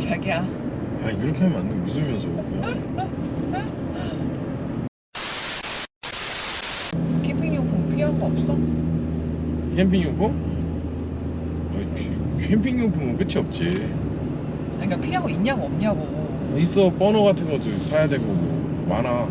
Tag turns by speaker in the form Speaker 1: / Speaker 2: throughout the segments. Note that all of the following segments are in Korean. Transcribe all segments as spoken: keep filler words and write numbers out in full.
Speaker 1: 자기야.
Speaker 2: 아 이렇게 하면 안 돼. 웃으면서 그냥.
Speaker 1: 캠핑용품 필요한 거 없어?
Speaker 2: 캠핑용품? 아니, 캠핑용품은 끝이 없지.
Speaker 1: 아니, 그러니까 필요한 거 있냐고 없냐고.
Speaker 2: 있어. 버너 같은 것도 사야 되고 뭐 많아.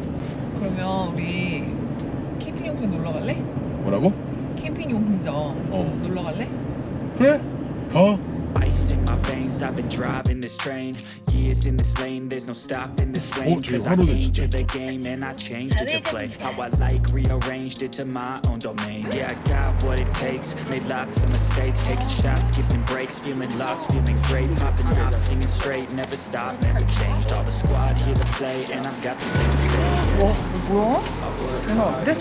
Speaker 1: 그러면 우리 캠핑용품 놀러 갈래?
Speaker 2: 뭐라고?
Speaker 1: 캠핑용품점
Speaker 2: 어.
Speaker 1: 놀러 갈래?
Speaker 2: 그래? 가.
Speaker 3: Ice in my veins, I've been driving this train. Years in this lane, there's no stopping this flame.
Speaker 2: 어, 저기
Speaker 3: Cause I
Speaker 2: 화로는
Speaker 3: came
Speaker 2: 진짜
Speaker 3: to the game and I changed it to play how I like, rearranged it to my own domain. Yeah, I got what it takes, made lots of mistakes, taking shots, skipping breaks, feeling lost, feeling great, popping off, singing straight, never stopped, never changed. All the squad here to play and I've got something to say.
Speaker 1: 와, 이거 뭐야? 대단한데?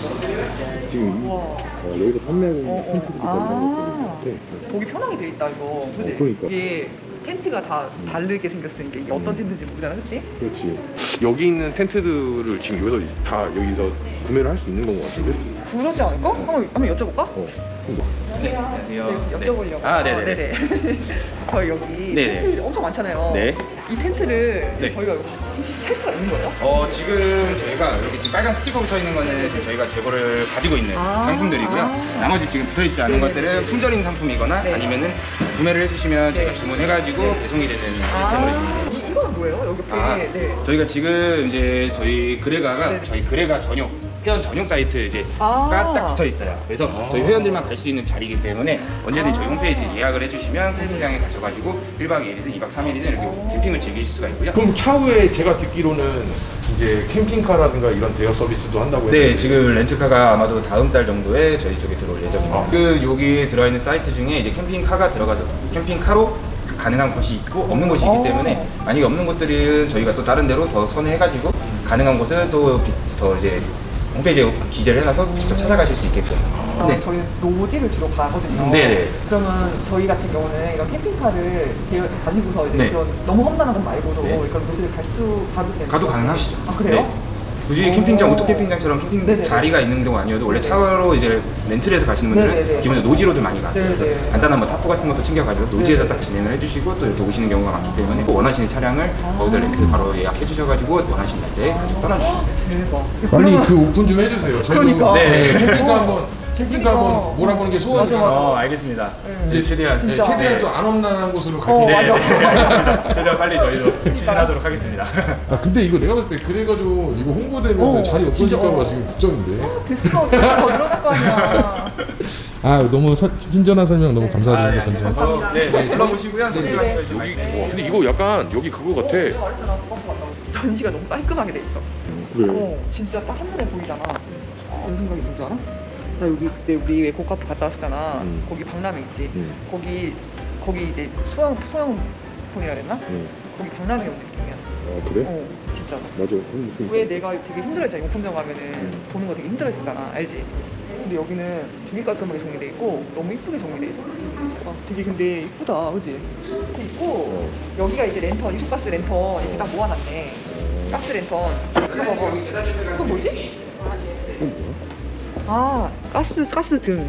Speaker 2: 지금
Speaker 1: 와.
Speaker 2: 어, 여기서 판매하는
Speaker 1: 어, 어.
Speaker 2: 텐트들이
Speaker 1: 아.
Speaker 2: 너무 많은
Speaker 1: 보기 편하게 돼 있다 이거. 그지?
Speaker 2: 어, 그러니까.
Speaker 1: 이게 텐트가 다 다르게 생겼으니까 이게 어떤 텐트인지 모르잖아, 그렇지?
Speaker 2: 그렇지. 여기 있는 텐트들을 지금 여기서 다 여기서 구매를 할 수 있는 건 것 같은데?
Speaker 1: 그러지 않을까? 한번 한번 여쭤볼까?
Speaker 2: 어.
Speaker 4: 네, 안녕하세요.
Speaker 1: 네, 여쭤보려고.
Speaker 4: 아, 네네.
Speaker 1: 네네. 저희 여기
Speaker 4: 네네.
Speaker 1: 텐트 엄청 많잖아요.
Speaker 4: 네.
Speaker 1: 이 텐트를
Speaker 4: 네.
Speaker 1: 저희가 살 수가 있는 거예요?
Speaker 4: 어, 지금 저희가 여기 지금 빨간 스티커 붙어 있는 거는 지금 저희가 재고를 가지고 있는
Speaker 1: 아.
Speaker 4: 상품들이고요.
Speaker 1: 아.
Speaker 4: 나머지 지금 붙어 있지 않은
Speaker 1: 네네.
Speaker 4: 것들은 품절인 상품이거나
Speaker 1: 네.
Speaker 4: 아니면은 구매를 해주시면 저희가
Speaker 1: 네.
Speaker 4: 주문해가지고
Speaker 1: 네.
Speaker 4: 배송이 되는 시스템으로 지금.
Speaker 1: 아, 이, 이건 뭐예요? 여기 옆에.
Speaker 4: 아,
Speaker 1: 네.
Speaker 4: 저희가 지금 이제 저희 그레가가
Speaker 1: 네.
Speaker 4: 저희 그레가 전용 회원 전용 사이트 이제
Speaker 1: 아.
Speaker 4: 가 딱 붙어 있어요. 그래서
Speaker 2: 아.
Speaker 4: 저희 회원들만 갈 수 있는 자리이기 때문에 언제든지 저희
Speaker 1: 아.
Speaker 4: 홈페이지 예약을 해주시면 캠핑장에 가셔가지고 일 박 이 일이든 이 박 삼 일이든 이렇게 캠핑을 즐기실 수가 있고요.
Speaker 2: 그럼 차후에 제가 듣기로는 이제 캠핑카라든가 이런 대여 서비스도 한다고 했는데
Speaker 4: 네, 지금 렌트카가 아마도 다음 달 정도에 저희 쪽에 들어올 예정입니다.
Speaker 2: 아.
Speaker 4: 그 여기 들어있는 사이트 중에 이제 캠핑카가 들어가서 캠핑카로 가능한 곳이 있고 없는 곳이 있기
Speaker 1: 어.
Speaker 4: 때문에 만약에 없는 곳들은 저희가 또 다른 데로 더 선회해가지고 가능한 곳을 또 더 이제 홈페이지에 기재를 해놔서 직접 찾아가실 수 있게끔.
Speaker 1: 아,
Speaker 4: 네.
Speaker 1: 저희는 노지를 주로 가거든요.
Speaker 4: 네네.
Speaker 1: 그러면 저희 같은 경우는 이런 캠핑카를 대여- 가지고서 이제
Speaker 4: 네.
Speaker 1: 그런 너무 험난한 건 말고도
Speaker 4: 네.
Speaker 1: 그런 노지를 갈 수 가도 되는
Speaker 4: 가도 가능하시죠.
Speaker 1: 아, 그래요?
Speaker 4: 네. 굳이
Speaker 1: 오.
Speaker 4: 캠핑장, 오토 캠핑장처럼 캠핑
Speaker 1: 네네네.
Speaker 4: 자리가 있는 경우 아니어도 원래 차로 이제 렌트를 해서 가시는 분들은
Speaker 1: 네네네.
Speaker 4: 기본적으로 노지로들 많이 가세요. 그래서
Speaker 1: 네네.
Speaker 4: 간단한 뭐 타프 같은 것도 챙겨가지고 노지에서
Speaker 1: 네네.
Speaker 4: 딱 진행을 해주시고 또 이렇게 오시는 경우가 많기 때문에 또 원하시는 차량을
Speaker 1: 아.
Speaker 4: 거기서 렌트 바로 예약해 주셔가지고 원하시는 날짜에 같이 떠나주시면 돼요.
Speaker 1: 대박.
Speaker 2: 빨리
Speaker 1: 그러면-
Speaker 2: 그 오픈 좀 해주세요. 저희도
Speaker 1: 그러니까.
Speaker 2: 네,
Speaker 4: 네.
Speaker 2: 캠핑카
Speaker 1: 어.
Speaker 2: 한번 캠핑카
Speaker 1: 그러니까.
Speaker 2: 한번 몰아보는 게 소원이라.
Speaker 1: 맞아, 맞아.
Speaker 4: 어, 알겠습니다.
Speaker 1: 네.
Speaker 4: 이제 최대한
Speaker 2: 네,
Speaker 1: 진짜.
Speaker 2: 최대한 또 안 험난한 곳으로 갈
Speaker 1: 어,
Speaker 2: 텐데.
Speaker 1: 맞아.
Speaker 4: 알겠습니다. 최대한 빨리 저희도 추진하도록 하겠습니다.
Speaker 2: 아 근데 이거 내가 봤을 때 그래가지고 이거 홍보되면
Speaker 1: 어,
Speaker 2: 자리
Speaker 1: 진짜.
Speaker 2: 없어질까봐 지금 걱정인데.
Speaker 1: 됐어. 더 늘어날 거 아니야.
Speaker 2: 아 너무 서, 친절한 설명 너무 감사드립니다.
Speaker 4: 아,
Speaker 2: 전전.
Speaker 4: 어, 네, 네, 불러보시고요. 선생님한테 말씀 많이
Speaker 2: 와, 근데 이거 약간 여기 그거 같아.
Speaker 1: 내가 말했잖아. 버스 갔다고. 전시가 너무 깔끔하게 돼 있어.
Speaker 2: 그래.
Speaker 1: 어, 진짜 딱 한눈에 보이잖아. 무슨 생각이 든 줄 알아? 나 여기 그때 우리 왜 고카프 갔다 왔었잖아.
Speaker 2: 음.
Speaker 1: 거기 박람회 있지.
Speaker 2: 음.
Speaker 1: 거기 거기 이제 소형 소형폰이라 그랬나?
Speaker 2: 응.
Speaker 1: 거기 박람회 온 느낌이야.
Speaker 2: 아 그래?
Speaker 1: 어, 진짜로.
Speaker 2: 맞아. 그런 느낌.
Speaker 1: 왜 내가 되게 힘들어했잖아. 용품점 가면은
Speaker 2: 음.
Speaker 1: 보는 거 되게 힘들어했었잖아. 알지? 근데 여기는 되게 깔끔하게 정리돼 있고 너무 이쁘게 정리돼 있어. 아, 되게 근데 이쁘다, 그지? 이렇게 있고
Speaker 2: 어.
Speaker 1: 여기가 이제 랜턴, 이소가스 랜턴 이렇게 딱 모아놨네. 가스 랜턴. 이거 봐봐. 이거 뭐지?
Speaker 2: 이건 뭐야?
Speaker 1: 아, 가스 가스 등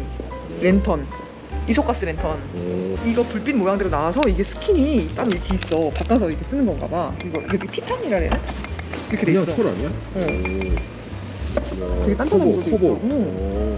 Speaker 1: 랜턴. 이소가스 랜턴.
Speaker 2: 어.
Speaker 1: 이거 불빛 모양대로 나와서 이게 스킨이 따로 이렇게 있어. 바꿔서 이렇게 쓰는 건가 봐. 이거 이게 티탄이라 해야 되나? 이렇게 돼
Speaker 2: 그냥
Speaker 1: 있어.
Speaker 2: 철 아니야?
Speaker 1: 어.
Speaker 2: 오.
Speaker 1: 되게 단단한
Speaker 2: 커버,
Speaker 1: 것도
Speaker 2: 커버.
Speaker 1: 있어.
Speaker 2: 어.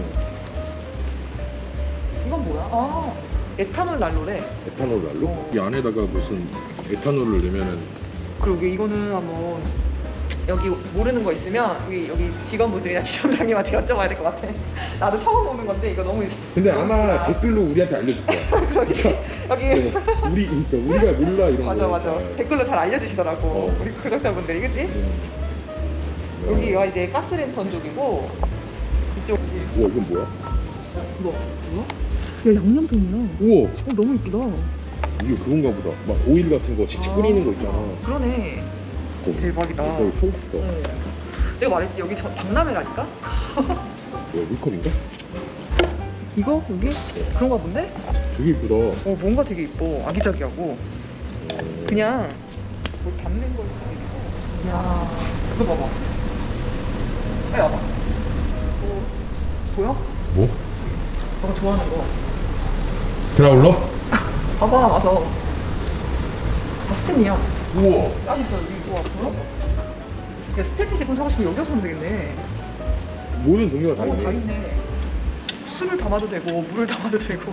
Speaker 1: 이건 뭐야? 아, 에탄올 난로래.
Speaker 2: 에탄올 난로?
Speaker 1: 어.
Speaker 2: 이 안에다가 무슨 에탄올을 넣으면은
Speaker 1: 그리고 이거는 한번 여기 모르는 거 있으면 여기 여기 직원분들이나 지점장님한테 여쭤봐야 될 것 같아. 나도 처음 보는 건데 이거 너무.
Speaker 2: 근데 아마 댓글로 우리한테 알려줄 거야.
Speaker 1: 그러게 여기.
Speaker 2: 네, 우리 그러니까 우리가 몰라 이런
Speaker 1: 맞아
Speaker 2: 거.
Speaker 1: 맞아.
Speaker 2: 네.
Speaker 1: 댓글로 잘 알려주시더라고.
Speaker 2: 어.
Speaker 1: 우리 구독자분들이 그치?
Speaker 2: 음.
Speaker 1: 여기가 이제 가스랜턴 쪽이고 이쪽.
Speaker 2: 우와 이건 뭐야?
Speaker 1: 뭐? 뭐야? 야 양념통이야.
Speaker 2: 우와
Speaker 1: 어 너무 이쁘다.
Speaker 2: 이게 그건가 보다. 막 오일 같은 거 직접 끓이는 거 있잖아.
Speaker 1: 그러네.
Speaker 2: 거기.
Speaker 1: 대박이다.
Speaker 2: 거기 사고 싶다.
Speaker 1: 응. 내가 말했지 여기 저 박람회라니까?
Speaker 2: 뭐야 물컵인가?
Speaker 1: 이거? 여기? 그런가 본데?
Speaker 2: 되게 이쁘다.
Speaker 1: 어 뭔가 되게 이뻐. 아기자기하고 그냥 뭐 담는 걸 수도 있고. 이야 이거 봐봐. 빨리 와봐. 뭐 보여?
Speaker 2: 뭐?
Speaker 1: 너가 좋아하는 거.
Speaker 2: 그라울러?
Speaker 1: 봐봐 와서. 봤어? 스탠이야.
Speaker 2: 우와.
Speaker 1: 딱 있어 여기 이거 앞으로. 야 스탠리 제품 사고 싶으면 여기서 사면 되겠네.
Speaker 2: 모든 종류가 다
Speaker 1: 어,
Speaker 2: 있네.
Speaker 1: 다 있네. 술을 담아도 되고 물을 담아도 되고.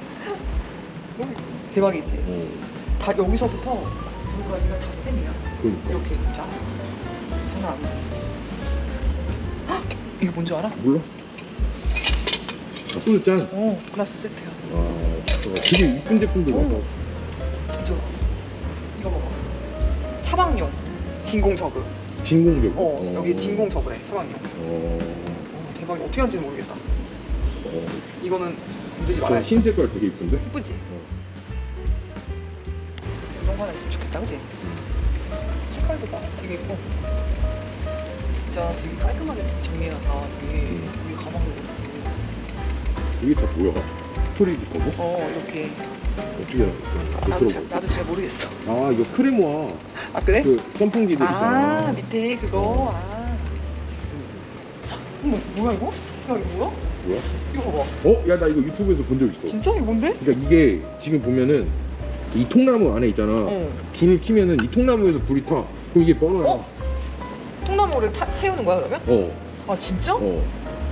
Speaker 1: 대박이지.
Speaker 2: 어.
Speaker 1: 다 여기서부터 저기까지가 다 스탠이야.
Speaker 2: 그러니까.
Speaker 1: 이렇게 자. 장난 아니지. 헉! 이게 뭔지 알아?
Speaker 2: 몰라? 아, 소주 짠.
Speaker 1: 어, 글라스 세트야.
Speaker 2: 아, 되게 이쁜 제품들
Speaker 1: 오.
Speaker 2: 많다.
Speaker 1: 저 이거 봐봐. 차박용 진공 저그.
Speaker 2: 진공벽.
Speaker 1: 어, 여기 진공 저그래. 차박용.
Speaker 2: 어.
Speaker 1: 어, 대박이 어떻게 하는지는 모르겠다.
Speaker 2: 어.
Speaker 1: 이거는 건들지
Speaker 2: 저
Speaker 1: 말아야지.
Speaker 2: 흰 색깔 되게 이쁜데?
Speaker 1: 예쁘지? 이런 거 하나 있으면 좋겠다, 그치? 색깔도 봐. 되게 예뻐. 진짜 되게 깔끔하게 정리해놨다. 이게
Speaker 2: 음.
Speaker 1: 우리 가방도 이렇게.
Speaker 2: 이게 다 뭐야? 스토리지 거고?
Speaker 1: 어, 이렇게.
Speaker 2: 어떻게 알아?
Speaker 1: 나도 잘, 나도 잘 모르겠어.
Speaker 2: 아, 이거 크레모아.
Speaker 1: 아, 그래?
Speaker 2: 그 선풍기들
Speaker 1: 아,
Speaker 2: 있잖아.
Speaker 1: 밑에 그거. 아. 어머, 뭐야, 이거? 야, 이거 뭐야?
Speaker 2: 뭐야?
Speaker 1: 이거 봐봐.
Speaker 2: 어? 야, 나 이거 유튜브에서 본 적 있어.
Speaker 1: 진짜? 이거 뭔데?
Speaker 2: 그러니까 이게 지금 보면은 이 통나무 안에 있잖아.
Speaker 1: 어.
Speaker 2: 불을 켜면은 이 통나무에서 불이 타. 그럼 이게 뻔하야.
Speaker 1: 어? 통나무를 타, 태우는 거야, 그러면?
Speaker 2: 어.
Speaker 1: 아, 진짜?
Speaker 2: 어.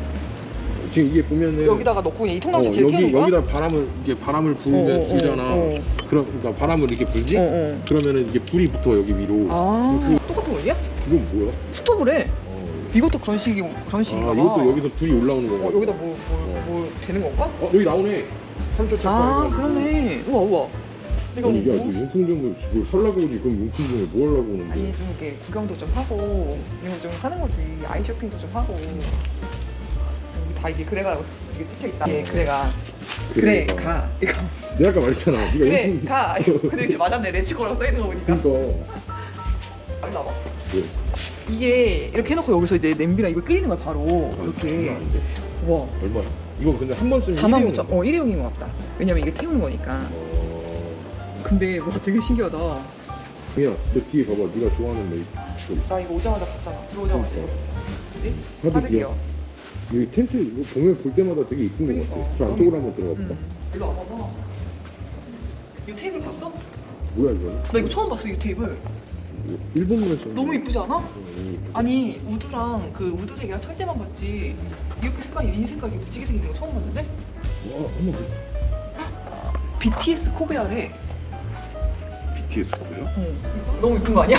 Speaker 2: 지금 이게 보면은
Speaker 1: 여기다가 넣고 그냥 이 통나무
Speaker 2: 어,
Speaker 1: 자체를
Speaker 2: 여기
Speaker 1: 태우는 거야?
Speaker 2: 여기다 바람을 이게 바람을 불면
Speaker 1: 어, 어,
Speaker 2: 불잖아.
Speaker 1: 어, 어.
Speaker 2: 그럼 그러니까 바람을 이렇게 불지?
Speaker 1: 어, 어.
Speaker 2: 그러면은 이게 불이 붙어 여기 위로.
Speaker 1: 아, 똑같은 거냐?
Speaker 2: 이건 뭐야?
Speaker 1: 스토브래.
Speaker 2: 어.
Speaker 1: 이것도 그런 식이 그런 식인가
Speaker 2: 아,
Speaker 1: 봐.
Speaker 2: 이것도 여기서 불이 올라오는 건가?
Speaker 1: 어, 여기다 뭐, 뭐,
Speaker 2: 어.
Speaker 1: 뭐 되는 건가?
Speaker 2: 어, 여기 나오네. 삼 초 체크.
Speaker 1: 아, 그러네. 우와, 우와. 이거
Speaker 2: 아니, 야,
Speaker 1: 뭐?
Speaker 2: 너 용품점을 뭘 살라고 오지? 그럼 용품점에 뭐 하려고 오는데?
Speaker 1: 아니, 좀 이렇게 구경도 좀 하고 이런 거 좀 하는 거지. 아이 쇼핑도 좀 하고. 여기 다 이게 그래가라고 이게 찍혀 있다. 예, 그래가. 그래,
Speaker 2: 그래가.
Speaker 1: 가. 이거.
Speaker 2: 내가 아까 말했잖아. 네가
Speaker 1: 그래,
Speaker 2: 용품.
Speaker 1: 가. 이거. 근데 이제 맞았네. 레츠고라고 써 있는 거 보니까.
Speaker 2: 그러니까.
Speaker 1: 빨리 나와.
Speaker 2: 왜?
Speaker 1: 이게 이렇게 해놓고 여기서 이제 냄비랑 이걸 끓이는 거야 바로.
Speaker 2: 아,
Speaker 1: 이렇게.
Speaker 2: 장난 아닌데.
Speaker 1: 와.
Speaker 2: 얼마야? 이거 근데 한 번 쓰면
Speaker 1: 사만
Speaker 2: 일회용이야.
Speaker 1: 구천. 어, 일회용인 것 같다. 왜냐면 이게 태우는 거니까.
Speaker 2: 어.
Speaker 1: 근데 와 되게 신기하다.
Speaker 2: 그냥 너 뒤에 봐봐. 네가 좋아하는 메이크.
Speaker 1: 나 이거 오자마자 봤잖아. 들어오자마자.
Speaker 2: 그러니까.
Speaker 1: 그치?
Speaker 2: 하드기어.
Speaker 1: 하드기어.
Speaker 2: 여기 텐트 이거 보면 볼 때마다 되게 이쁜 것 같아.
Speaker 1: 그러니까.
Speaker 2: 저 안쪽으로 한번 들어가 볼까?
Speaker 1: 응. 일로 와봐봐. 이 테이블 봤어?
Speaker 2: 뭐야 이거?
Speaker 1: 나 이거 처음 봤어 이 테이블.
Speaker 2: 일본에서
Speaker 1: 너무 이쁘지 않아?
Speaker 2: 너무 이쁘다.
Speaker 1: 아니 우드랑 그 우드색이랑 철제만 봤지 이렇게 색깔이 이 색깔이 무지개 생긴 거 처음 봤는데?
Speaker 2: 와 한번 그
Speaker 1: 비티에스 코베아래.
Speaker 2: 비티에스 뭐야?
Speaker 1: 응. 너무 이쁜 거 아니야?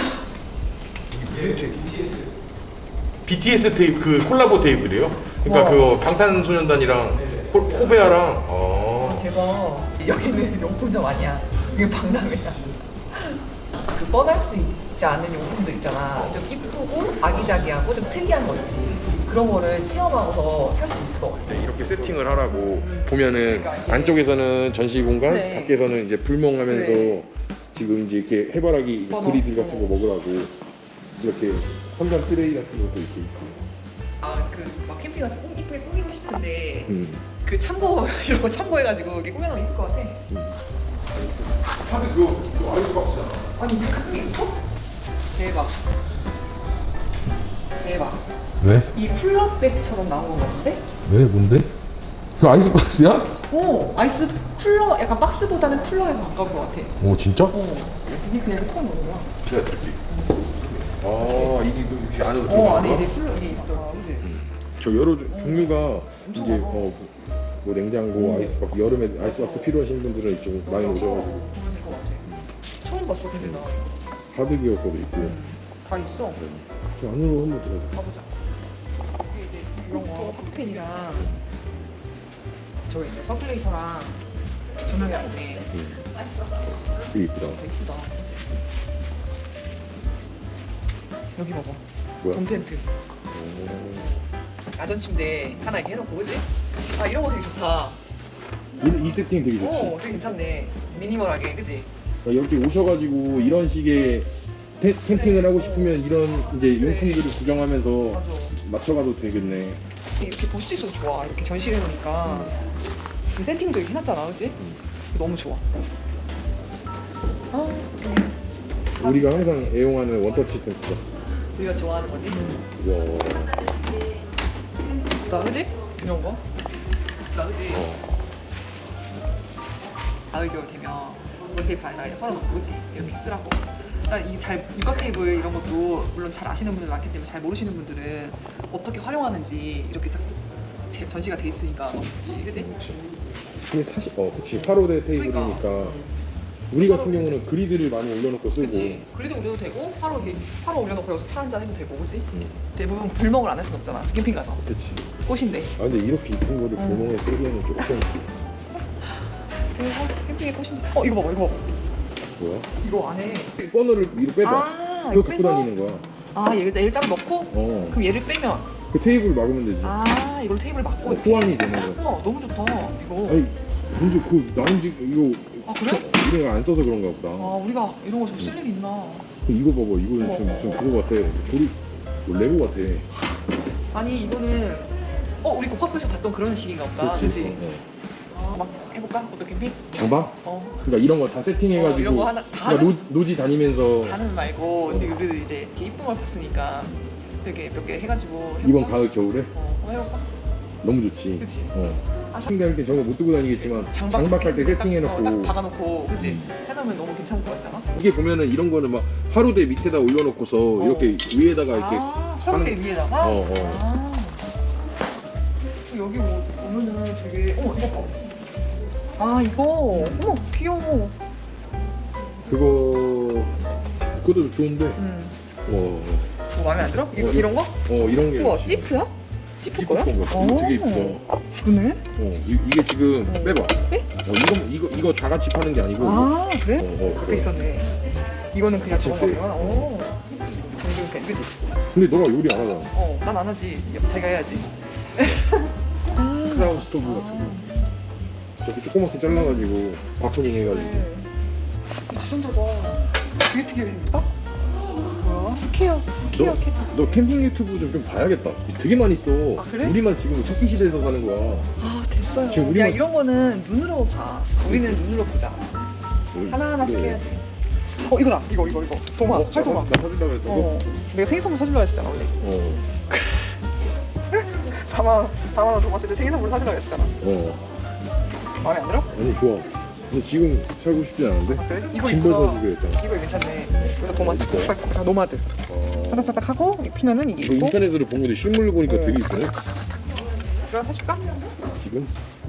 Speaker 2: 비티에스 테이프 그 콜라보 테이프래요? 그러니까
Speaker 1: 와.
Speaker 2: 그 방탄소년단이랑 코, 코베아랑 아.
Speaker 1: 대박. 여기는 용품점 아니야. 이게 박람회야. 그 뻔할 수 있지 않은 용품들 있잖아. 좀 이쁘고 아기자기하고 좀 특이한 거 있지. 그런 거를 체험하고서 살 수 있을 것 같아.
Speaker 2: 네, 이렇게 세팅을 하라고 보면은 안쪽에서는 전시 공간,
Speaker 1: 그래.
Speaker 2: 밖에서는 이제 불멍하면서
Speaker 1: 그래.
Speaker 2: 지금 이제 이렇게 해바라기
Speaker 1: 맞아.
Speaker 2: 그리들 같은 거 먹으라고 이렇게 선반 트레이 같은 것도 이렇게 있고.
Speaker 1: 아 그 막 캠핑 가서 꼭 이쁘게 꾸미고 싶은데
Speaker 2: 음.
Speaker 1: 그 참고 이런 거 참고해가지고 이렇게 꾸며놓으면 이쁠 것 같아.
Speaker 2: 하드 그, 그 아이스박스잖아.
Speaker 1: 아니 이렇게 크게 있어? 대박. 대박.
Speaker 2: 왜?
Speaker 1: 이 쿨러백처럼 나온 거 같은데?
Speaker 2: 왜? 뭔데? 그 아이스박스야?
Speaker 1: 오 아이스 쿨러 약간 박스보다는 쿨러에 가까운 것 같아.
Speaker 2: 오 진짜?
Speaker 1: 어 이게 그냥 통 넣는 거야.
Speaker 2: 제가 들게. 아 이게 그 이렇게 안으로
Speaker 1: 어
Speaker 2: 들어가?
Speaker 1: 안에 이제 쿨러 이게 있어. 그지?
Speaker 2: 저 여러 조- 종류가
Speaker 1: 엄청
Speaker 2: 이제
Speaker 1: 많아.
Speaker 2: 어, 뭐 냉장고, 아이스박스 여름에 아이스박스 필요하신 분들은 이쪽 많이 오셔가지고
Speaker 1: 그럴 것 같아. 처음 봤어 근데 나.
Speaker 2: 하드기어 거도 있고.
Speaker 1: 다 있어.
Speaker 2: 저 안으로 한번 들어가.
Speaker 1: 가보자. 이게 이제 이런 거 커피펜이랑 저기 있네 서큘레이터랑 조명이랑 있네.
Speaker 2: 되게 이쁘다.
Speaker 1: 되게 이쁘다. 여기 봐봐.
Speaker 2: 뭐야?
Speaker 1: 돔 텐트.
Speaker 2: 오.
Speaker 1: 야전 침대 하나 이렇게 해놓고 그지? 아 이런 거 되게 좋다.
Speaker 2: 이, 이 세팅 되게 좋지.
Speaker 1: 어 되게 괜찮네. 미니멀하게 그지?
Speaker 2: 그러니까 여기 오셔가지고 이런 식의 텐- 캠핑을 하고 싶으면 이런 이제
Speaker 1: 그래.
Speaker 2: 용품들을 구경하면서
Speaker 1: 맞아.
Speaker 2: 맞춰가도 되겠네.
Speaker 1: 이렇게 볼 수 있어서 좋아. 이렇게 전시해 놓으니까 그 세팅도 이렇게 해놨잖아, 그지? 너무 좋아. 아, 여기
Speaker 2: 우리가 항상 애용하는 원터치 텐트다.
Speaker 1: 우리가 좋아하는 거지?
Speaker 2: 와.
Speaker 1: 나 그지? 이런 거? 나 그지?
Speaker 2: 어.
Speaker 1: 가을 겨울 되면 이거 테이프 안에다가 이제 걸어놓고 그지 이렇게 쓰라고. 이잘 육각 테이블 이런 것도 물론 잘 아시는 분들 많겠지만 잘 모르시는 분들은 어떻게 활용하는지 이렇게 딱 제- 전시가 돼 있으니까 너무 좋지, 그지?
Speaker 2: 근데 사실 어 그치 팔 호대 테이블이니까
Speaker 1: 그러니까.
Speaker 2: 우리 같은 경우는 그리드를 많이 올려놓고 쓰고
Speaker 1: 그치. 그리도 올려도 되고 바로 이렇게 바로 올려놓고 여기서 차 한잔 해도 되고, 그지?
Speaker 2: 응.
Speaker 1: 대부분 불멍을 안 할 순 없잖아. 캠핑 가서
Speaker 2: 그치.
Speaker 1: 꽃인데.
Speaker 2: 아 근데 이렇게 이쁜 거를
Speaker 1: 어.
Speaker 2: 구멍에 쓰기에는 조금
Speaker 1: 그래서 캠핑의 꽃인데. 어 이거 봐봐, 이거 봐봐.
Speaker 2: 뭐야?
Speaker 1: 이거 안에.
Speaker 2: 버너를 위로 빼봐.
Speaker 1: 아,
Speaker 2: 그거
Speaker 1: 이거
Speaker 2: 갖고
Speaker 1: 빼서?
Speaker 2: 다니는 거야.
Speaker 1: 아 얘를 얘를 따로 넣고.
Speaker 2: 어.
Speaker 1: 그럼 얘를 빼면.
Speaker 2: 그 테이블 막으면 되지.
Speaker 1: 아 이걸 테이블 막고.
Speaker 2: 어,
Speaker 1: 이렇게.
Speaker 2: 호환이 되는 거야.
Speaker 1: 우와 너무 좋다. 이거.
Speaker 2: 아니 문제 그 나온지 이거
Speaker 1: 아, 그래?
Speaker 2: 우리가 안 써서 그런가 보다.
Speaker 1: 아 우리가 이런 거 좀 쓸 일이 있나?
Speaker 2: 이거 봐봐 이거
Speaker 1: 어,
Speaker 2: 지금
Speaker 1: 어,
Speaker 2: 무슨
Speaker 1: 어.
Speaker 2: 그거 같아. 조립 뭐 레고 같아.
Speaker 1: 아니 이거는 어 우리 고파프에서 봤던 그런 식인가 보다.
Speaker 2: 그렇지.
Speaker 1: 그치?
Speaker 2: 어, 어.
Speaker 1: 아, 막 해볼까? 어떤 캠핑?
Speaker 2: 장방?
Speaker 1: 어.
Speaker 2: 그러니까 이런 거 다 세팅해가지고
Speaker 1: 어, 이런 거 하나-
Speaker 2: 그러니까
Speaker 1: 다는-
Speaker 2: 노, 노지 다니면서
Speaker 1: 다는 말고
Speaker 2: 어.
Speaker 1: 근데 우리도 이제 이렇게 이쁜 걸 봤으니까 되게 몇 개 해가지고
Speaker 2: 이번
Speaker 1: 해볼까?
Speaker 2: 가을 겨울에
Speaker 1: 어 한번 해볼까?
Speaker 2: 너무 좋지.
Speaker 1: 그치?
Speaker 2: 어.
Speaker 1: 아,
Speaker 2: 캠핑할 때 저거 못 들고 다니겠지만 장박할 때
Speaker 1: 딱, 어, 딱
Speaker 2: 세팅해놓고
Speaker 1: 박아놓고 그치?
Speaker 2: 음.
Speaker 1: 해놓으면 너무 괜찮을 것 같지 않아?
Speaker 2: 이게 보면은 이런 거는 막 화로대 밑에다 올려놓고서
Speaker 1: 어.
Speaker 2: 이렇게 위에다가 이렇게
Speaker 1: 아 화로대
Speaker 2: 하는-
Speaker 1: 위에다가?
Speaker 2: 어, 어.
Speaker 1: 아 여기 뭐 보면은 되게 어 이거 봐. 아 이거 어머 귀여워.
Speaker 2: 그거 그것도 좋은데
Speaker 1: 음.
Speaker 2: 어,
Speaker 1: 뭐 마음에 안 들어? 이거
Speaker 2: 어,
Speaker 1: 이런 거?
Speaker 2: 어 이런 게
Speaker 1: 우와
Speaker 2: 좋지.
Speaker 1: 찌프야? 찌프
Speaker 2: 찌프
Speaker 1: 거야?
Speaker 2: 건 거. 이거 되게 이쁘다.
Speaker 1: 그네?
Speaker 2: 어 이, 이게 지금
Speaker 1: 어.
Speaker 2: 빼봐.
Speaker 1: 빼?
Speaker 2: 어 이거 이거 이거 다 같이 파는 게 아니고
Speaker 1: 아 그래?
Speaker 2: 어, 어,
Speaker 1: 그렇게
Speaker 2: 그래.
Speaker 1: 있었네. 이거는 그냥
Speaker 2: 찌프.
Speaker 1: 저런 거구나. 오. 이렇게 그지?
Speaker 2: 근데 너가 요리 안 하잖아.
Speaker 1: 어, 난 안 하지. 자기가 해야지.
Speaker 2: 크라운 스토브 같은 거. 저렇게 조그맣게 잘라가지고 바토닝 해가지고.
Speaker 1: 네. 주전자가 되게 되게 예쁘다. 뭐야? 스퀘어, 스퀘어
Speaker 2: 너,
Speaker 1: 캐터.
Speaker 2: 너 캠핑 유튜브 좀, 좀 봐야겠다. 되게 많이 써.
Speaker 1: 아, 그래?
Speaker 2: 우리만 지금 석기 시대에서 사는 거야.
Speaker 1: 아 됐어요.
Speaker 2: 지금
Speaker 1: 야
Speaker 2: 우리만-
Speaker 1: 이런 거는 눈으로 봐. 우리는 눈으로 보자. 하나 하나씩
Speaker 2: 그래.
Speaker 1: 해야 돼. 어 이거다. 이거 이거 이거. 도마.
Speaker 2: 어,
Speaker 1: 칼 도마.
Speaker 2: 나 사준다 그랬던 거?
Speaker 1: 어. 내가 생일 선물 사주려고 했었잖아 원래.
Speaker 2: 어.
Speaker 1: 사만 원, 사만 원 도마 쓸때 생일 선물 사주려고 했었잖아.
Speaker 2: 어.
Speaker 1: 마음에 안 들어?
Speaker 2: 아니 좋아. 근데 지금 살고 싶지 않은데?
Speaker 1: 그래? 이거
Speaker 2: 짐벌
Speaker 1: 이쁘다.
Speaker 2: 사주기로 했잖아.
Speaker 1: 이거 괜찮네. 그래서 도마
Speaker 2: 이거.
Speaker 1: 딱딱딱 아, 노마드.
Speaker 2: 어.
Speaker 1: 따닥따닥 하고 이거 피면은 이게
Speaker 2: 이거
Speaker 1: 있고.
Speaker 2: 인터넷으로 본 건데 실물로 보니까
Speaker 1: 어.
Speaker 2: 되게 이쁘네.
Speaker 1: 이거 사줄까?
Speaker 2: 지금?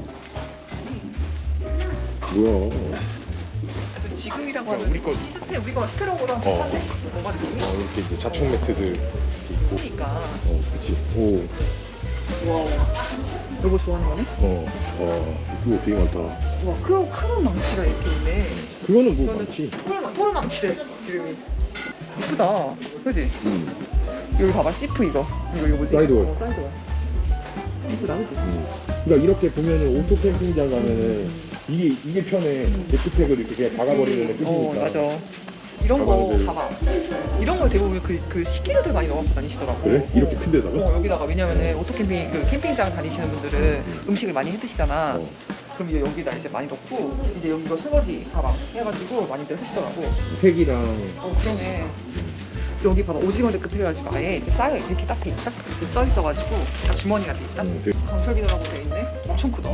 Speaker 2: 뭐야?
Speaker 1: 하여튼 지금이라고 하면
Speaker 2: 우리 거-
Speaker 1: 시스템 우리 거 스페로보다
Speaker 2: 어.
Speaker 1: 비싼데? 노마드 지금?
Speaker 2: 어, 이렇게 이제 자충 매트들 이렇게 있고.
Speaker 1: 그러니까.
Speaker 2: 어, 그치. 오.
Speaker 1: 와. 이거 좋아하는 거네?
Speaker 2: 어. 어. 이거 되게 많다.
Speaker 1: 와, 큰, 큰 망치가 이렇게 있네.
Speaker 2: 그거는 뭐
Speaker 1: 이거는
Speaker 2: 많지.
Speaker 1: 토르, 토르 망치래. 이름이. 이쁘다. 그지?
Speaker 2: 음.
Speaker 1: 여기 봐봐, 지프 이거. 이거, 이거 뭐지?
Speaker 2: 사이드월.
Speaker 1: 어, 사이드월. 이쁘다, 그지?
Speaker 2: 음. 그러니까 이렇게 보면은 오토 캠핑장 가면은 이게 이게 편해. 데크팩을 이렇게 그냥 박아버리면 끝이니까.
Speaker 1: 어, 맞아. 이런 거
Speaker 2: 가방들.
Speaker 1: 봐봐. 이런 걸 대부분 그, 그 식기류들 많이 넣어서 다니시더라고.
Speaker 2: 그래? 이렇게
Speaker 1: 어.
Speaker 2: 큰 데다가?
Speaker 1: 어, 여기다가 왜냐면은 오토 캠핑 그 캠핑장 다니시는 분들은 음식을 많이 해 드시잖아.
Speaker 2: 어.
Speaker 1: 그럼 이제 여기다 이제 많이 넣고 이제 여기 이거 설거지 가방 해가지고 많이들 하시더라고.
Speaker 2: 팩이랑
Speaker 1: 어 그러네. 여기 봐봐 오징어 데크 해가지고 아예 이렇게 쌓여 이렇게 딱, 돼- 딱 이렇게 써 있어가지고 딱 주머니가 돼 있다.
Speaker 2: 음, 되게-
Speaker 1: 강철기도라고 돼 있네. 엄청 크다.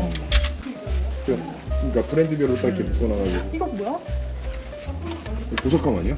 Speaker 2: 그러니까 브랜드별로 딱 이렇게 묶어놔가지고.
Speaker 1: 이거 뭐야?
Speaker 2: 보석함 아니야?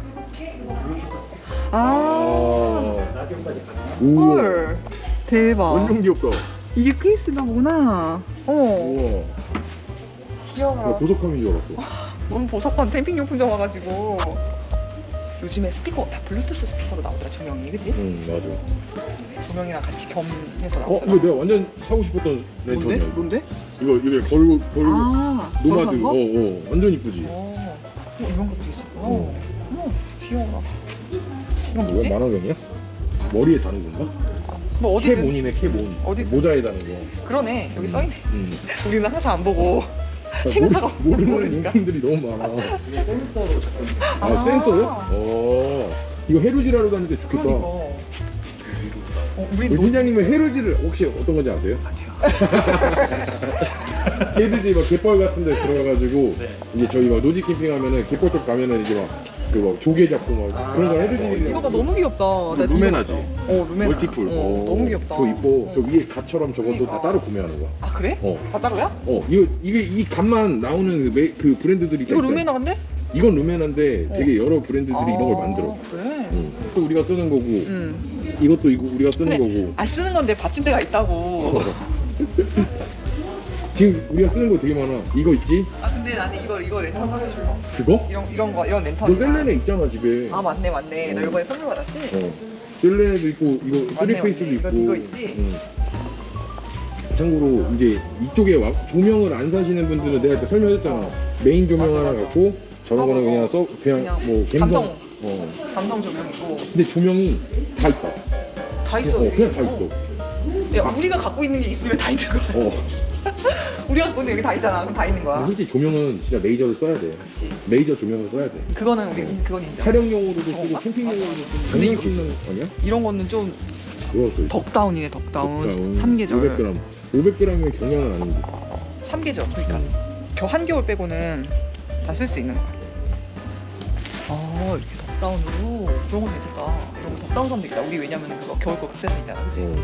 Speaker 1: 아.
Speaker 2: 우와.
Speaker 1: 헐. 대박.
Speaker 2: 완전 귀엽다.
Speaker 1: 이게 케이스가 뭐나. 어.
Speaker 2: 우와. 나
Speaker 1: 귀여워.
Speaker 2: 보석함인 줄 알았어.
Speaker 1: 너무 보석한 캠핑용품점 와가지고. 요즘에 스피커 다 블루투스 스피커로 나오더라 조명이, 그치?
Speaker 2: 응, 맞아.
Speaker 1: 조명이랑 같이 겸해서
Speaker 2: 어,
Speaker 1: 나오더라.
Speaker 2: 이거 내가 완전 사고 싶었던
Speaker 1: 뭔데?
Speaker 2: 랜턴이야. 이거.
Speaker 1: 뭔데?
Speaker 2: 이거 이게 걸고 걸고
Speaker 1: 아,
Speaker 2: 노마드.
Speaker 1: 걸어간
Speaker 2: 어,
Speaker 1: 거?
Speaker 2: 어, 완전 이쁘지.
Speaker 1: 어, 어, 이런 것도 있어.
Speaker 2: 어.
Speaker 1: 어, 어머, 귀여워. 이건
Speaker 2: 뭐야,
Speaker 1: 뭐지?
Speaker 2: 만화경이야? 머리에 다는 건가?
Speaker 1: 뭐 어디든.
Speaker 2: 캐몬이네, 캐몬.
Speaker 1: 어디-
Speaker 2: 모자에 다는 거.
Speaker 1: 그러네. 여기 써있네.
Speaker 2: 응.
Speaker 1: 우리는 항상 안 보고
Speaker 2: 아,
Speaker 1: 생각하고
Speaker 2: 모르, 모르는
Speaker 1: 모르니까.
Speaker 2: 인품들이 너무 많아.
Speaker 4: 센서로 접근.
Speaker 2: 아,
Speaker 1: 아.
Speaker 2: 센서요? 어. 이거 해루질하러 다니는데 좋겠다.
Speaker 1: 그러니까. 어, 우리
Speaker 2: 우리
Speaker 1: 노...
Speaker 2: 팀장님은 해루질을 혹시 어떤 건지 아세요? 해루질 막 갯벌 같은 데 들어가가지고
Speaker 4: 네.
Speaker 2: 이제 저희 막 노지 캠핑하면은 갯벌 쪽 가면은 이제 막 그 막 조개 잡고 막 그런 걸 해주시는
Speaker 1: 이거 봐 너무 귀엽다. 나 진짜
Speaker 2: 루메나지?
Speaker 1: 봤어. 어 루메나.
Speaker 2: 멀티풀.
Speaker 1: 어, 너무 귀엽다.
Speaker 2: 저 이뻐.
Speaker 1: 어.
Speaker 2: 저 위에 갓처럼 저것도
Speaker 1: 그러니까.
Speaker 2: 다 따로 구매하는 거야.
Speaker 1: 아 그래?
Speaker 2: 어.
Speaker 1: 다 따로야?
Speaker 2: 어, 이거 이게 이 갓만 나오는 그, 메, 그 브랜드들이
Speaker 1: 이거
Speaker 2: 있다.
Speaker 1: 루메나 근데?
Speaker 2: 이건 루메나인데
Speaker 1: 어.
Speaker 2: 되게 여러 브랜드들이
Speaker 1: 아,
Speaker 2: 이런 걸 만들어.
Speaker 1: 그래.
Speaker 2: 응. 또 우리가 쓰는 거고
Speaker 1: 응.
Speaker 2: 이것도 이거 우리가 쓰는
Speaker 1: 그래.
Speaker 2: 거고.
Speaker 1: 아 쓰는 건데 받침대가 있다고.
Speaker 2: 지금 우리가 쓰는 거 되게 많아. 이거 있지?
Speaker 1: 아 근데 나는 이거 이거 랜턴 사줘줄래?
Speaker 2: 그거?
Speaker 1: 이런 이런 거 이런 랜턴.
Speaker 2: 너 셀레네 있잖아 집에.
Speaker 1: 아 맞네 맞네. 너
Speaker 2: 어.
Speaker 1: 이번에 선물 받았지?
Speaker 2: 어. 셀레네도 있고 이거
Speaker 1: 맞네,
Speaker 2: 쓰리페이스도
Speaker 1: 맞네.
Speaker 2: 있고.
Speaker 1: 이거, 이거 있지?
Speaker 2: 응. 참고로 이제 이쪽에 와, 조명을 안 사시는 분들은 내가 그때 설명했잖아. 메인 조명
Speaker 1: 맞아,
Speaker 2: 하나
Speaker 1: 맞아.
Speaker 2: 갖고 저런 거는
Speaker 1: 어,
Speaker 2: 그냥 써 그냥,
Speaker 1: 그냥
Speaker 2: 뭐 감성.
Speaker 1: 감성.
Speaker 2: 어.
Speaker 1: 감성 조명이고
Speaker 2: 근데 조명이 다 있다.
Speaker 1: 다 있어.
Speaker 2: 어,
Speaker 1: 여기.
Speaker 2: 그냥 다 있어.
Speaker 1: 야 우리가 갖고 있는 게 있으면 다 있는 거야.
Speaker 2: 어.
Speaker 1: 우리가 갖고 있는 게 여기 다 있잖아. 그럼 다 있는 거야.
Speaker 2: 근데 솔직히 조명은 진짜 레이저를 써야 돼.
Speaker 1: 그렇지.
Speaker 2: 레이저 조명을 써야 돼.
Speaker 1: 그거는 우리 그건 인정.
Speaker 2: 촬영용으로도 쓰고
Speaker 1: 저건가?
Speaker 2: 캠핑용으로도 쓰고
Speaker 1: 근데 이거-
Speaker 2: 장난치는 아니야?
Speaker 1: 이런 거는 좀
Speaker 2: 그거 써.
Speaker 1: 덕다운이네 덕다운. 삼 계절.
Speaker 2: 오백 그램. 오백 그램이면 경량은 아닌데.
Speaker 1: 삼 계절. 그러니까 겨 한겨울 빼고는 다 쓸 수 있는 거야. 아 이렇게 덕다운으로 그런 거 괜찮다. 이런 거 덕다운 사면 되겠다. 우리 왜냐면 그거 겨울 거 비싼 거 있잖아. 그치?
Speaker 2: 어.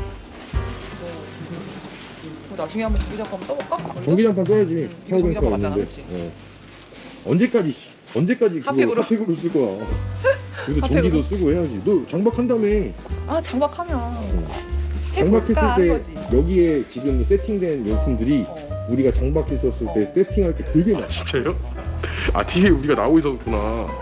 Speaker 1: 그거 나중에 한번 전기장판 한번 써볼까?
Speaker 2: 전기장판 써야지.
Speaker 1: 응, 이거
Speaker 2: 파워뱅크가
Speaker 1: 전기장판 맞잖아,
Speaker 2: 없는데.
Speaker 1: 그치?
Speaker 2: 어. 언제까지 언제까지 그거
Speaker 1: 핫팩으로?
Speaker 2: 핫팩으로 쓸 거야. 그래도
Speaker 1: 핫팩으로?
Speaker 2: 전기도 쓰고 해야지. 너 장박한 다음에
Speaker 1: 아 장박하면
Speaker 2: 장박했을
Speaker 1: 해볼까 하는
Speaker 2: 때
Speaker 1: 거지.
Speaker 2: 여기에 지금 세팅된 용품들이
Speaker 1: 어.
Speaker 2: 우리가 장박했었을 때 세팅할 게 되게 많아. 진짜요? 아 티비에 우리가 나오고 있었구나.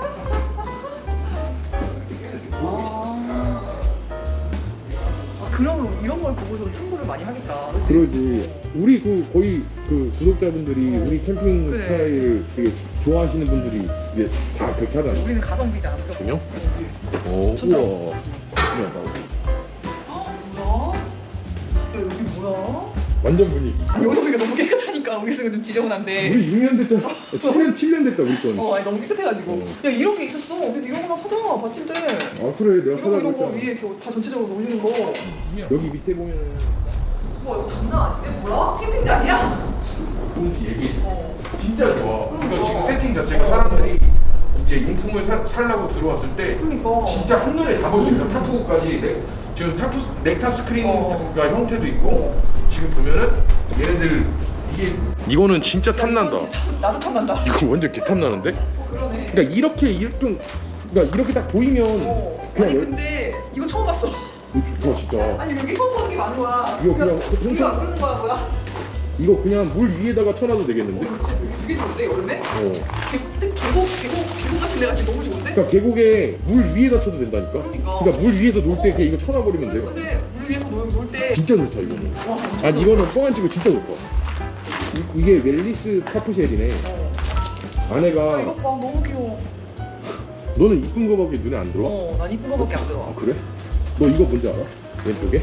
Speaker 1: 아 그러면 이런 걸 보고서 참고를 많이 하겠다. 그치?
Speaker 2: 그러지. 우리 그 거의 그 구독자분들이 우리 캠핑
Speaker 1: 그래.
Speaker 2: 스타일을 되게 좋아하시는 분들이 이제 다 그렇게 하잖아.
Speaker 1: 우리는 가성비잖아. 무조건.
Speaker 2: 전혀? 어,
Speaker 1: 천장.
Speaker 2: 우와. 신기하다.
Speaker 1: 뭐야? 야, 여기 뭐야?
Speaker 2: 완전 분위기.
Speaker 1: 여기서 보니까 너무 깨끗하니까 우리 쓰는 좀 지저분한데.
Speaker 2: 우리 육 년 됐잖아. 칠 년, 칠 년 됐다, 우리 건.
Speaker 1: 어, 아니 너무 깨끗해가지고.
Speaker 2: 어.
Speaker 1: 야 이런 게 있었어. 그래도 이런 거나 사자. 받침대.
Speaker 2: 아, 그래. 내가
Speaker 1: 이런 거 이런
Speaker 2: 사라고
Speaker 1: 거
Speaker 2: 했잖아.
Speaker 1: 위에 이렇게 다 전체적으로 올리는 거.
Speaker 2: 여기 밑에 보면은.
Speaker 1: 와 이거 장난 아닌데? 뭐야? 캠핑지 아니야?
Speaker 2: 뭔지 얘기해.
Speaker 1: 어.
Speaker 2: 진짜 좋아.
Speaker 1: 이거 지금
Speaker 2: 세팅 자체가 사람들이 이제 용품을 사, 살라고 들어왔을 때
Speaker 1: 그러니까.
Speaker 2: 진짜 한눈에 다 볼 수 있다. 타프까지. 네, 지금 타프 넥타 스크린가
Speaker 1: 어.
Speaker 2: 형태도 있고 지금 보면은 얘네들 이게 이거는 진짜
Speaker 1: 야, 이거
Speaker 2: 탐난다.
Speaker 1: 진짜 탐- 나도 탐난다.
Speaker 2: 이거 완전 개 탐나는데?
Speaker 1: 어 그러네.
Speaker 2: 그러니까 이렇게 이렇게 그러니까 이렇게 딱 보이면
Speaker 1: 어.
Speaker 2: 그냥
Speaker 1: 아니
Speaker 2: 열-
Speaker 1: 근데 이거 처음 봤어.
Speaker 2: 이거 좋다 진짜.
Speaker 1: 아니 여기 처음 보는 게 많은 거야.
Speaker 2: 이거 그냥
Speaker 1: 우리가
Speaker 2: 혼자-
Speaker 1: 안 그러는 거야 뭐야?
Speaker 2: 이거 그냥 물 위에다가 쳐놔도 되겠는데?
Speaker 1: 되게 좋은데 여름에?
Speaker 2: 어.
Speaker 1: 계곡 계곡 계곡 계곡 같은 데가 지금 너무 좋은데?
Speaker 2: 그러니까 계곡에 물 위에다 쳐도 된다니까?
Speaker 1: 그러니까.
Speaker 2: 그러니까 물 위에서 놀 때 그냥 이거 쳐놔버리면 돼.
Speaker 1: 근데 물 위에서 놀때
Speaker 2: 진짜 좋다 이거는.
Speaker 1: 와.
Speaker 2: 아니 이거는 뻥안 치고 진짜 좋다. 이, 이게 멜리스 타프쉘이네.
Speaker 1: 어. 아,
Speaker 2: 안에가
Speaker 1: 이거 봐 너무 귀여워.
Speaker 2: 너는 이쁜 거밖에 눈에 안 들어?
Speaker 1: 어, 난 이쁜 거밖에 안 들어.
Speaker 2: 아 그래? 너 이거 뭔지 알아? 왼쪽에?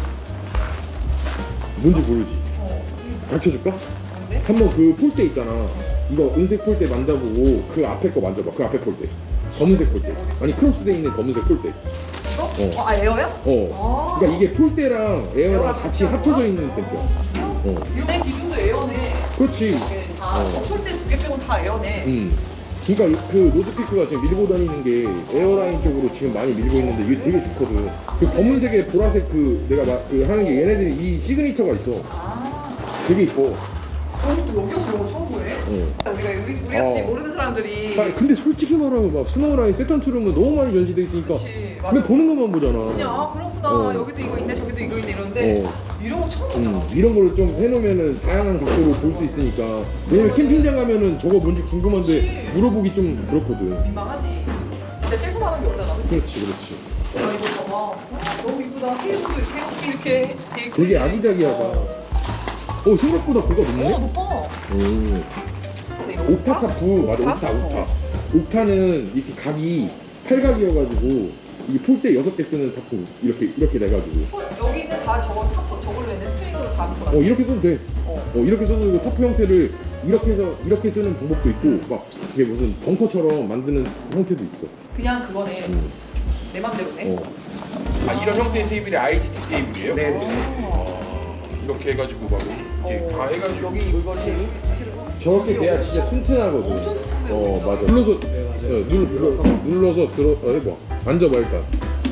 Speaker 2: 뭔지 모르지?
Speaker 1: 어.
Speaker 2: 가르쳐줄까?
Speaker 1: 뭔데?
Speaker 2: 한번 그 폴대 있잖아. 이거 은색 폴대 만져보고 그 앞에 거 만져봐. 그 앞에 폴대. 검은색 폴대. 아니 크로스돼 있는 검은색 폴대.
Speaker 1: 이거?
Speaker 2: 어.
Speaker 1: 아 에어야?
Speaker 2: 어.
Speaker 1: 아.
Speaker 2: 그러니까 이게 폴대랑 에어랑 같이 합쳐져 있는 텐트야. 어.
Speaker 1: 내 기준도 에어네.
Speaker 2: 그렇지.
Speaker 1: 이게 다
Speaker 2: 어.
Speaker 1: 덮을 때두 개 빼고 다 에어네.
Speaker 2: 음. 그러니까 그 노스피크가 지금 밀고 다니는 게 에어라인 쪽으로 지금 많이 밀고 있는데 이게 되게 좋거든. 그 검은색에 보라색 그 내가 막 그 하는 게 얘네들이 이 시그니처가 있어.
Speaker 1: 아.
Speaker 2: 되게 이뻐.
Speaker 1: 그럼 또 여기 와서 이런 거 처음 보네.
Speaker 2: 어.
Speaker 1: 우리가 우리 우리 같이
Speaker 2: 어.
Speaker 1: 모르는 사람들이.
Speaker 2: 아, 근데 솔직히 말하면 막 스노우라인 세턴 투룸은 너무 많이 전시돼 있으니까
Speaker 1: 그치, 맞아.
Speaker 2: 그냥 보는 것만 보잖아.
Speaker 1: 그냥 아 그렇구나.
Speaker 2: 어.
Speaker 1: 여기도 이거 있네, 저기도 이거 있네 이러는데
Speaker 2: 어.
Speaker 1: 이런 거 처음 보잖아.
Speaker 2: 음, 이런 거를 좀 해놓으면은 다양한 각도로 볼 수 있으니까. 왜냐면 캠핑장 가면은 저거 뭔지 궁금한데
Speaker 1: 그치.
Speaker 2: 물어보기 좀 그렇거든.
Speaker 1: 민망하지. 진짜 찔끔하는 게 없잖아. 그치?
Speaker 2: 그렇지, 그렇지.
Speaker 1: 아 이거 봐봐. 아, 너무 이쁘다. 케이블도 이렇게 이렇게 되게
Speaker 2: 되게 아기자기하다.
Speaker 1: 어,
Speaker 2: 어, 생각보다 그거 높네?
Speaker 1: 어 높아.
Speaker 2: 음.
Speaker 1: 근데 이거
Speaker 2: 옥타 타프, 맞아, 옥타, 옥타.
Speaker 1: 어.
Speaker 2: 옥타는 이렇게 각이 팔각이어가지고 이게 폴대 여섯 개 쓰는 타프 이렇게 이렇게 돼가지고
Speaker 1: 어, 여기는 다 저거 타프 저걸로 했네. 스트링으로 다 묶어.
Speaker 2: 어 이렇게 써도 돼.
Speaker 1: 어.
Speaker 2: 어 이렇게 써도 되고 타프 형태를 이렇게 해서 이렇게 쓰는 방법도 있고 막 이게 무슨 벙커처럼 만드는 형태도 있어.
Speaker 1: 그냥 그거네.
Speaker 2: 음.
Speaker 1: 내 맘대로네.
Speaker 2: 어. 아 이런 형태의 테이블이 아이지티 테이블이에요?
Speaker 1: 네.
Speaker 2: 이렇게 해가지고 막 이렇게 다 해가지고
Speaker 1: 여기 이거 제일 사실은
Speaker 2: 저렇게 돼야 진짜 튼튼하거든.
Speaker 1: 엄청 튼튼해.
Speaker 2: 어 맞아. 불러서 어, 눌, 눌러서, 눌러서 들어 어, 해봐. 앉아봐 일단.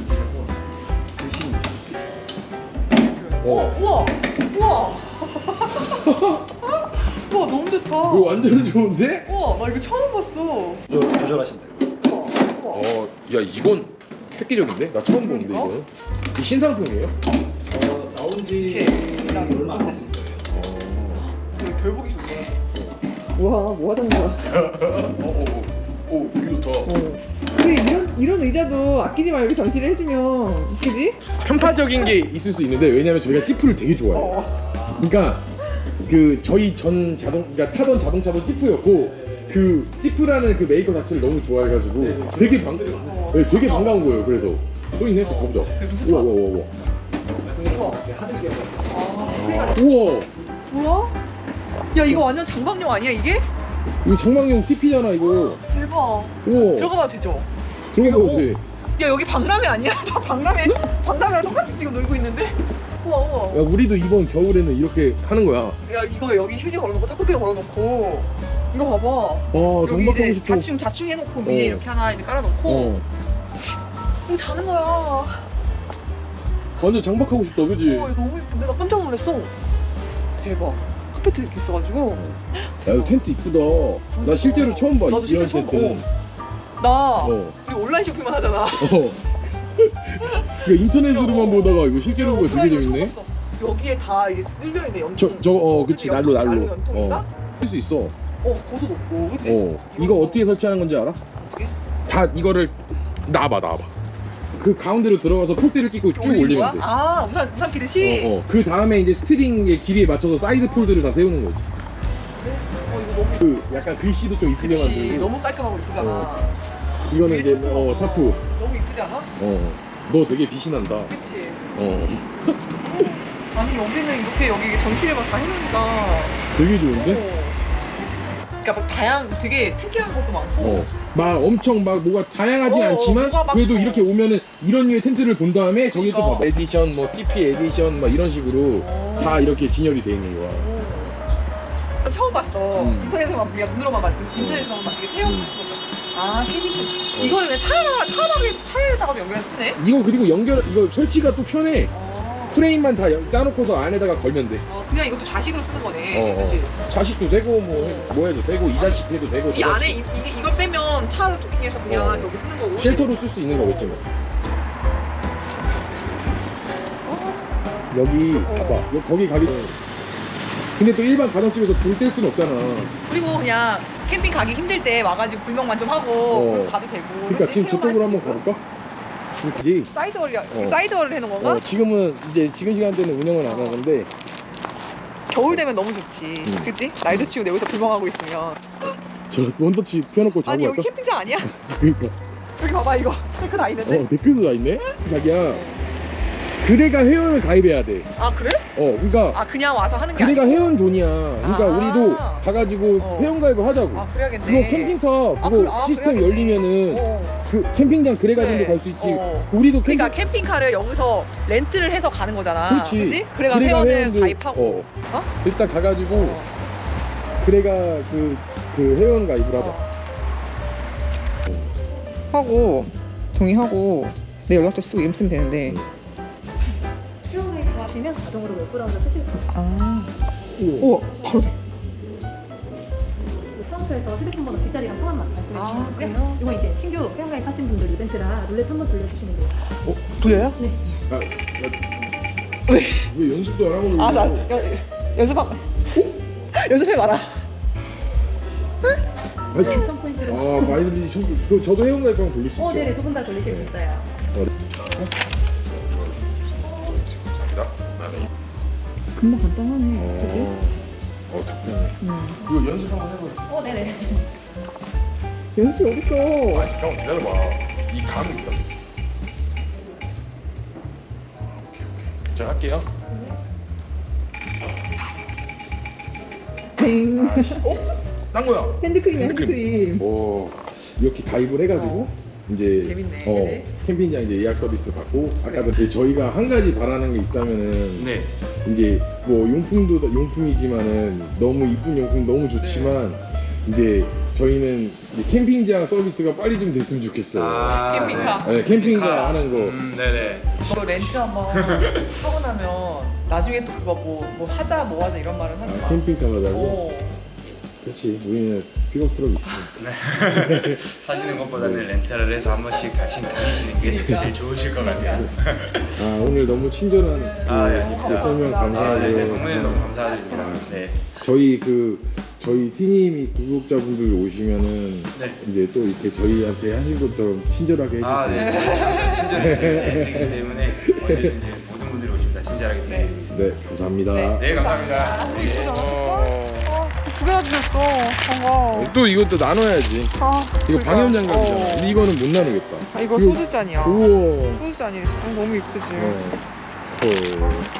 Speaker 4: 드신
Speaker 1: 어,
Speaker 2: 어.
Speaker 1: 우와, 우와. 우와, 너무 좋다.
Speaker 2: 이거 완전 좋은데?
Speaker 1: 우와, 나 이거 처음 봤어.
Speaker 5: 조, 조절하시면 돼요.
Speaker 1: 우와, 우와.
Speaker 2: 어, 야 이건 획기적인데? 나 처음 보는데
Speaker 1: 그러니까?
Speaker 2: 이거는. 이 신상품이에요?
Speaker 5: 어, 나온 지
Speaker 1: 이렇게.
Speaker 5: 얼마 안 됐을 거예요.
Speaker 1: 되게 별 보기 좋네. 우와, 뭐 하던 거야?
Speaker 2: 어, 어, 어, 오, 되게 좋다.
Speaker 1: 어. 그래, 이런 이런 의자도 아끼지 말고 전시를 해주면, 그지?
Speaker 2: 편파적인 게 있을 수 있는데 왜냐면 저희가 찌푸를 되게 좋아해요.
Speaker 1: 어.
Speaker 2: 그러니까 그 저희 전 자동 그러니까 타던 자동차도 찌푸였고 그 찌푸라는 그 메이커 자체를 너무 좋아해가지고 되게 반 네, 되게 반가운 거예요. 그래서 또 있네. 또 가보자. 우와 우와 우와
Speaker 5: 말씀드린 하드기어.
Speaker 1: 아,
Speaker 2: 우와.
Speaker 1: 뭐야? 야, 이거 완전 장박용 아니야 이게?
Speaker 2: 이거 장망용 티피잖아 이거.
Speaker 1: 대박.
Speaker 2: 우와.
Speaker 1: 들어가봐도 되죠?
Speaker 2: 들어가봐도 돼.
Speaker 1: 야, 여기 박람회 아니야? 나 박람회 박람회랑 똑같이 지금 놀고 있는데? 우와, 우와.
Speaker 2: 야 우리도 이번 겨울에는 이렇게 하는 거야.
Speaker 1: 야, 이거 여기 휴지 걸어놓고 타코피에 걸어놓고 이거 봐봐.
Speaker 2: 어
Speaker 1: 여기
Speaker 2: 장박하고
Speaker 1: 이제
Speaker 2: 싶어.
Speaker 1: 자충 자충 해놓고 위에
Speaker 2: 어.
Speaker 1: 이렇게 하나 이제 깔아놓고
Speaker 2: 어.
Speaker 1: 이거 자는 거야.
Speaker 2: 완전 장박하고 싶다, 그지?
Speaker 1: 어, 이거 너무 예쁜데 나 깜짝 놀랐어. 대박. 카페트 이렇게 있어가지고
Speaker 2: 야 이거 텐트 이쁘다. 나 실제로 처음 봐.
Speaker 1: 나도
Speaker 2: 이런
Speaker 1: 실제로 처음
Speaker 2: 텐트.
Speaker 1: 나
Speaker 2: 어.
Speaker 1: 우리 온라인 쇼핑만 하잖아.
Speaker 2: 어. 그 인터넷으로만 보다가 이거 실제로 보고 되게
Speaker 1: 온라인으로
Speaker 2: 재밌네.
Speaker 1: 처음 봤어. 여기에 다 이게 뚫려 있네 연통.
Speaker 2: 저 저 어 그치
Speaker 1: 그치,
Speaker 2: 난로 난로.
Speaker 1: 난로 연통인가?
Speaker 2: 어. 할 수 있어.
Speaker 1: 어, 고소 높고, 그치?
Speaker 2: 어. 이거 어떻게 설치하는 건지 알아?
Speaker 1: 어떻게?
Speaker 2: 다 이거를 나와봐 나와봐. 그 가운데로 들어가서 폴대를 끼고 쭉
Speaker 1: 올리는
Speaker 2: 올리면
Speaker 1: 거야?
Speaker 2: 돼.
Speaker 1: 아, 우산 우산 피듯이.
Speaker 2: 어, 어. 그 다음에 이제 스트링의 길이에 맞춰서 사이드 폴드를 다 세우는 거지.
Speaker 1: 어, 이거 너무
Speaker 2: 그 약간 글씨도 좀 이쁘게
Speaker 1: 그치.
Speaker 2: 만들고.
Speaker 1: 너무 깔끔하고 이쁘잖아.
Speaker 2: 어. 이거는 이제 어 타프.
Speaker 1: 너무 이쁘지 않아?
Speaker 2: 어. 너 되게 빛이 난다.
Speaker 1: 그치.
Speaker 2: 어.
Speaker 1: 아니, 여기는 이렇게 여기 전시를 막 다 해놓으니까.
Speaker 2: 되게 좋은데?
Speaker 1: 어. 그러니까 막 다양, 되게 특이한 것도 많고.
Speaker 2: 어. 막 엄청 막 뭐가 다양하진
Speaker 1: 어, 어,
Speaker 2: 않지만
Speaker 1: 뭐가 막-
Speaker 2: 그래도 이렇게 오면은 이런 류의 텐트를 본 다음에 저기 또
Speaker 1: 그러니까.
Speaker 2: 봐봐 에디션 뭐 티피 에디션 막 이런 식으로
Speaker 1: 어.
Speaker 2: 다 이렇게 진열이 돼 있는 거야.
Speaker 1: 나 처음 봤어.
Speaker 2: 음.
Speaker 1: 인터넷에만 그냥 눈으로만 봤 인터넷에서만 봤지. 이게 체험 봤어. 아, 캐빈. 이거는 그냥 차에다가 차박에 차에다가도 연결해 쓰네.
Speaker 2: 이거 그리고 연결 이거 설치가 또 편해.
Speaker 1: 어.
Speaker 2: 프레임만 다 연- 짜놓고서 안에다가 걸면 돼.
Speaker 1: 어, 그냥 이것도 자식으로 쓰는 거네.
Speaker 2: 어,
Speaker 1: 그치?
Speaker 2: 어. 자식도 되고 뭐, 해- 뭐 해도 되고 이 자식 해도 되고
Speaker 1: 이
Speaker 2: 저
Speaker 1: 안에
Speaker 2: 자식.
Speaker 1: 이, 이게 이걸 빼면 차로 도킹해서 그냥
Speaker 2: 어.
Speaker 1: 여기 쓰는 거고.
Speaker 2: 쉘터로 쓸 수 있는 거겠지 뭐. 여기
Speaker 1: 어.
Speaker 2: 봐봐 여기 거기 가기 근데 또 일반 가정집에서 불 뗄 수는 없잖아.
Speaker 1: 그리고 그냥 캠핑 가기 힘들 때 와가지고 불멍만 좀 하고
Speaker 2: 어.
Speaker 1: 그럼 가도 되고.
Speaker 2: 그러니까
Speaker 1: 이렇게
Speaker 2: 지금 저쪽으로
Speaker 1: 체험할
Speaker 2: 한번
Speaker 1: 수 있어.
Speaker 2: 가볼까? 그지?
Speaker 1: 사이드월이
Speaker 2: 어.
Speaker 1: 사이드월을 해놓은 건가?
Speaker 2: 어, 지금은 이제 지금 시간대는 운영을 안 하는데
Speaker 1: 겨울 되면 너무 좋지.
Speaker 2: 음.
Speaker 1: 그치? 날도 치고 여기서 불멍하고 있으면.
Speaker 2: 저 원터치 펴놓고 자고
Speaker 1: 아니 여기
Speaker 2: 갈까?
Speaker 1: 캠핑장 아니야?
Speaker 2: 그러니까
Speaker 1: 여기 봐봐 이거. 댓글 다 있는데.
Speaker 2: 어 댓글도 다 있네? 자기야 그래가 회원을 가입해야 돼.
Speaker 1: 아 그래?
Speaker 2: 어 그러니까
Speaker 1: 아 그냥 와서 하는 게
Speaker 2: 그래가
Speaker 1: 아니고?
Speaker 2: 회원존이야. 그러니까
Speaker 1: 아.
Speaker 2: 우리도 가가지고
Speaker 1: 어.
Speaker 2: 회원 가입을 하자고.
Speaker 1: 아 그래야겠네.
Speaker 2: 그거 캠핑카 그거
Speaker 1: 아, 그래- 아,
Speaker 2: 시스템
Speaker 1: 그래야겠네.
Speaker 2: 열리면은
Speaker 1: 어.
Speaker 2: 그 캠핑장 그래가지고
Speaker 1: 그래.
Speaker 2: 갈 수 있지.
Speaker 1: 어.
Speaker 2: 우리도 캠핑
Speaker 1: 그러니까 캠핑카를 여기서 렌트를 해서 가는 거잖아.
Speaker 2: 그렇지.
Speaker 1: 그지? 그래가
Speaker 2: 그래가
Speaker 1: 회원을
Speaker 2: 회원들-
Speaker 1: 가입하고.
Speaker 2: 어.
Speaker 1: 어?
Speaker 2: 일단 가가지고
Speaker 1: 어.
Speaker 2: 그래가 그, 그 회원 가입을 하자.
Speaker 1: 하고 동의하고 내 연락처 쓰고 이름 쓰면 되는데.
Speaker 6: 수영을 좋아하시면 자동으로 웹브라우저 쓰실 수 있어요.
Speaker 1: 아.
Speaker 2: 오.
Speaker 1: 우와 바로 돼.
Speaker 6: 카운터에서 휴대폰 번호 뒷자리랑 성함만 말씀해
Speaker 1: 아,
Speaker 6: 주시면
Speaker 1: 그래요?
Speaker 6: 되고요. 이거 이제 신규 회원가입 하신 분들 이벤트라 룰렛 한번 돌려주시면 돼요.
Speaker 1: 어? 돌려요?
Speaker 6: 네.
Speaker 2: 아, 나,
Speaker 1: 왜?
Speaker 2: 왜 연습도 안 하고
Speaker 1: 아, 나 연습 연습해 봐라.
Speaker 2: 아니, 저,
Speaker 6: 추천 포인트로.
Speaker 2: 아 마이너리 천 그, 저도 회원 가입하면 돌릴 수
Speaker 6: 어,
Speaker 2: 있죠?
Speaker 6: 네네. 두 분 다 돌리실 수 있어요.
Speaker 2: 어, 감사합니다.
Speaker 1: 금방 간단하네. 그지?
Speaker 2: 어, 덕분에.
Speaker 1: 음.
Speaker 2: 이거 연습 한번 해보자.
Speaker 6: 어, 네네.
Speaker 1: 연습이 어딨어?
Speaker 2: 아, 잠깐만 기다려봐. 이 감이 있다. 오케이, 오케이. 자, 할게요.
Speaker 1: 빙.
Speaker 2: 아씨. 어? 딴 거야.
Speaker 1: 핸드크림
Speaker 2: 핸드크림.
Speaker 1: 핸드크림.
Speaker 2: 오, 이렇게 가입을 해가지고 이제
Speaker 1: 재밌네.
Speaker 2: 어 캠핑장 이제 예약 서비스 받고 아까도 이제 저희가 한 가지 바라는 게 있다면은
Speaker 4: 네.
Speaker 2: 이제 뭐 용품도 용품이지만은 너무 이쁜 용품 너무 좋지만 이제 저희는 이제 캠핑장 서비스가 빨리 좀 됐으면 좋겠어요.
Speaker 4: 아,
Speaker 1: 캠핑카.
Speaker 2: 네, 캠핑카 하는 거.
Speaker 4: 음, 네네.
Speaker 1: 이거 렌트 한번 하고 나면 나중에 또 그거 뭐, 뭐 하자 뭐 하자 이런 말은 하지 마.
Speaker 2: 아, 캠핑카 하자고?
Speaker 1: 어.
Speaker 2: 그렇지. 우리는 픽업 트럭 있으니까.
Speaker 4: 사시는 것보다는 렌탈을 해서 한 번씩 다시 다니시는 게 제일 좋으실 것 같아요.
Speaker 2: 아 오늘 너무 친절한 그
Speaker 4: 아, 예, 아닙니다.
Speaker 2: 그 설명
Speaker 4: 아, 네,
Speaker 2: 감사하고요.
Speaker 4: 네, 정말 너무 감사드립니다. 네.
Speaker 2: 저희 그 저희 티님이 구독자분들 오시면은
Speaker 4: 네.
Speaker 2: 이제 또 이렇게 저희한테 하신 것처럼 친절하게 해주세요.
Speaker 4: 아, 네. 친절히 쓰기 때문에 언제든지 모든 분들이 오시면 다 친절하게 드리겠습니다.
Speaker 2: 네, 감사합니다.
Speaker 4: 네, 감사합니다. 네.
Speaker 1: 두 개나 주셨어. 반가워.
Speaker 2: 또 이것도 나눠야지.
Speaker 1: 아,
Speaker 2: 이거
Speaker 1: 그러니까.
Speaker 2: 방염장갑이잖아.
Speaker 1: 어.
Speaker 2: 근데 이거는 못 나누겠다.
Speaker 1: 아, 이거
Speaker 2: 이거-
Speaker 1: 소주잔이야.
Speaker 2: 우와.
Speaker 1: 소주잔이 아, 너무 이쁘지.
Speaker 2: 어. 어.